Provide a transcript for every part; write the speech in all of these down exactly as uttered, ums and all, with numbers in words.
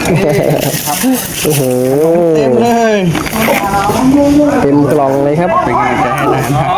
ครับโอ้โหเต็มเลยเต็มกล่องเลยครับเป็นกำลังใจให้นะครับ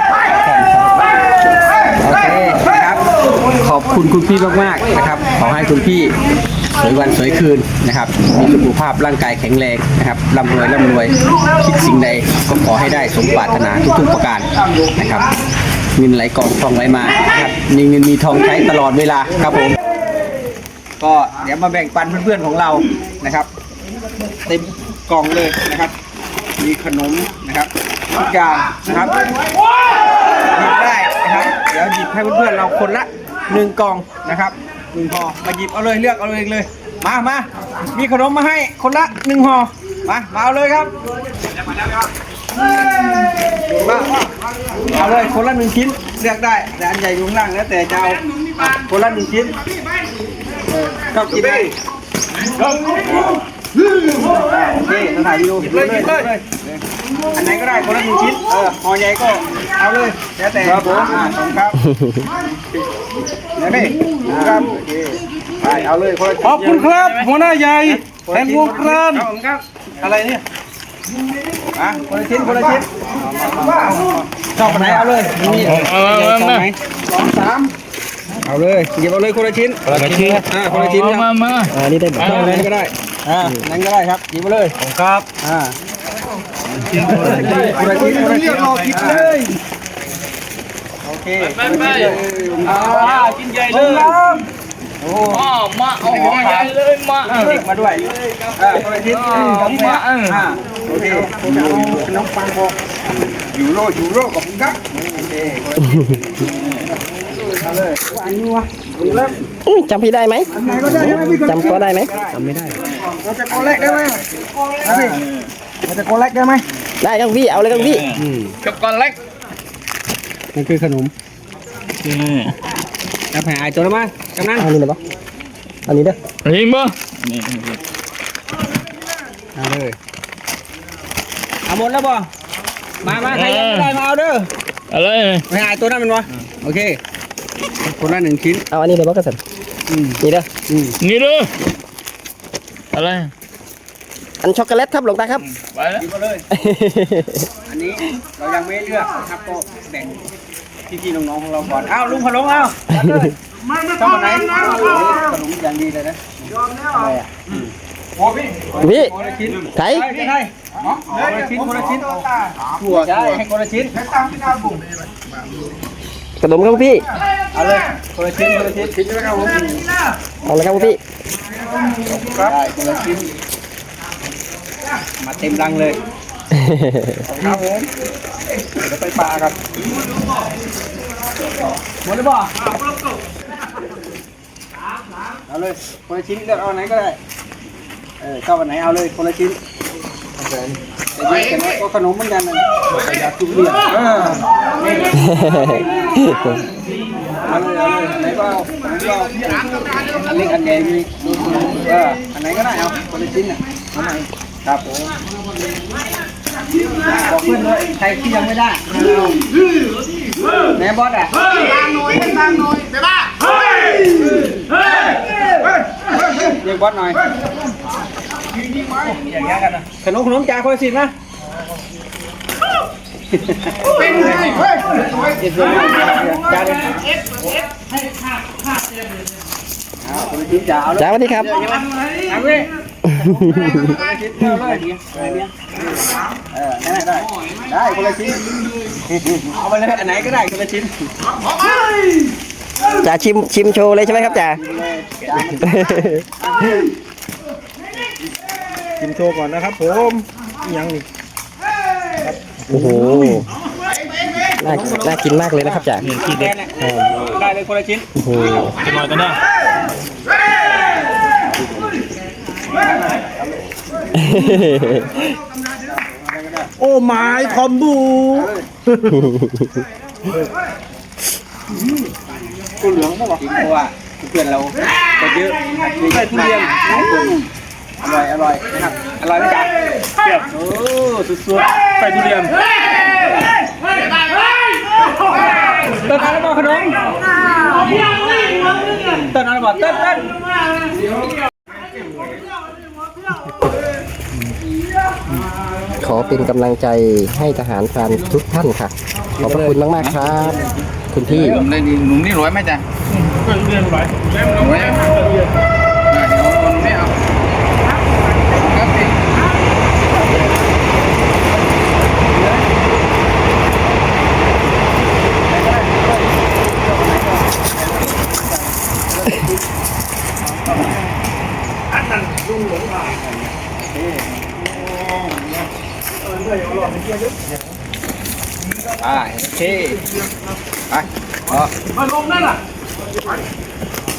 โอเคครับขอบคุณคุณพี่มากๆนะครับขอให้คุณพี่สวยวันสวยคืนนะครับมีสุขภาพร่างกายแข็งแรงนะครับร่ำรวยร่ำรวยคิดสิ่งใดก็ขอให้ได้สมปรารถนาทุกๆประการนะครับเงินไหลกองทองไหลมานะครับมีเงินมีทองใช้ตลอดเวลาครับผมก็เดี๋ยวมาแบ่งปันเพื่อนๆของเรานะครับเต็มกล่องเลยนะครับมีขนมนะครับทุกอย่างนะครับหยิบได้นะครับเดี๋ยวหยิบให้เพื่อนๆเราคนละหนึ่งกล่องนะครับหนึ่งห่อมาหยิบเอาเลยเลือกเอาเองเลยมามามีขนมมาให้คนละหนึ่งห่อมามาเอาเลยครับมาเอาเลยคนละหนึ่งชิ้นเลือกได้แต่อันใหญ่อยู่ข้างล่างแล้วแต่จะเอาคนละหนึ่งชิ้นชอบกินไหมโอเคเราถ่ายวิดีโอเลยเลยอันไหนก็ได้คนละหนึ่งชิ้นเออห่อใหญ่ก็เอาเลยแล้วแต่ครับผมครับเดี๋ยวนี่ครับโอเคไปเอาเลยคนละชิ้นขอบคุณครับหัวหน้าใหญ่แทนวงกรานครับอะไรเนี่ยอ่ะคนละชิ้นคนละชิ้นชอบไหนเอาเลยนี่ชอบไหนสองสามเอาเลยหยิบเอาเลยคนละชิ้นคนละชิ้นอ่าคนละชิ้นครับมามาอ่านี่ได้แบบนั้นก็ได้อ่านั่นก็ได้ครับหยิบมาเลยครับอ่าคนละชิ้นคนละชิ้นคนละชิ้นรอกินเลยโอเคไปไปอ่ากินใหญ่เลยโอ้มาเอาหัวใหญ่เลยมาเด็กมาด้วยอ่าคนละชิ้นมาอ่าโอเคน้องปังบอกยูโรยูโรขอบคุณครับโอเคเอาเลยอันนี้วะจำพี่ได้ไหมจำก็ได้ไหมจำไม่ได้เราจะโกเล็กได้ไหมเราจะโกเล็กได้ไหมได้ครับพี่เอาเลยครับพี่ช็อกโกแลตนั่นคือขนมจะแผ่ไอตัวแล้วมั้ยกำนันอันนี้เลยปะอันนี้เด้อจริงปะเอาเลยเอาหมดแล้วปะมามาใครยังไม่ได้มาเอาเด้ออะไรแผ่ไอตัวนั้นมันวะโอเคคนละหนึ่งชิ้นเอาอันนี้เลยปะกระสันนี่เด้อนี่เด้ออะไรอันช็อกโกแลตครับหลวงตาครับไปแล้วกินมาเลยอันนี้เรายังไม่เลือกครับก็แบ่งพี่ๆน้องๆของเราก่อนอ้าวลุงพลงเอาชอบไหนขนมอย่างดีเลยนะอะไรอ่ะพี่ไทยไทยคนละชิ้นคนละชิ้นถั่วถั่วให้คนละชิ้นขนมครับพี่เอาเลยคนละชิ้นคนละชิ้นชิ้นใช่ไหมครับผมเอาเลยครับพี่ครับคนละชิ้นมาเต็มรังเลยครับผมเดี๋ยวไปปลาครับหมดเลยบ่เอาเลยคนละชิ้นเลือกเอาไหนก็ได้เออชอบอันไหนเอาเลยคนละชิ้นแต่ยังไงก็ขนมเหมือนกันนะอยากทุเรียนเออเอาเลยเอาเลยอันไหนก็เอาอันไหนก็เอาอันเล็กอันใหญ่มีเอออันไหนก็ได้เอาคนละชิ้นน่ะอันไหนครับผมบอกเพื่อนเลยใครที่ยังไม่ได้แม่บอสอ่ะตั้งหน่อยตั้งหน่อยเดี๋ยวมาเฮ้ยเฮ้ยเรียกบอสหน่อยอย่างเงี้ยกันนะขนมขนมจ่าคนละสิบนะเป็นไงเฮ้ยเจ็ดสิบจ่าเลยจ่าสวัสดีครับเอาเลยชิ้นเดียวเลยเออได้ได้ได้คนละชิ้นเอาไปเลยอันไหนก็ได้คนละชิ้นจ่าชิมชิมโชว์เลยใช่ไหมครับจ่าชิมโชว์ก่อนนะครับผมยังนี่โอ้โหน่าน่ากินมากเลยนะครับจ่าได้เลยคนละชิ้นโอ้โหจะมากันได้โอ้ไม้คอมบูกูเหลืองป่ะบอกเพราะว่าเพื่อนเราก็เยอะมีทุเรียนอร่อยอร่อยนะครับอร่อยไหมจ๊ะเปรี้ยวโอ้สุดๆใส่ทุเรียนเต้นอะไรบ้างขนมเต้นอะไรบ้างเต้นเต้นขอเป็นกำลังใจให้ทหารพรานทุกท่านค่ะ ขอบพระคุณมากๆครับ คุณพี่หนุ่มได้ดีหนุ่มนี่รวยไหมจ๊ะเรียนไปรวยไหมเดี๋ยวคนไม่เอาครับพี่อ่าโอเคไปอ๋อมาลงนั่นล่ะ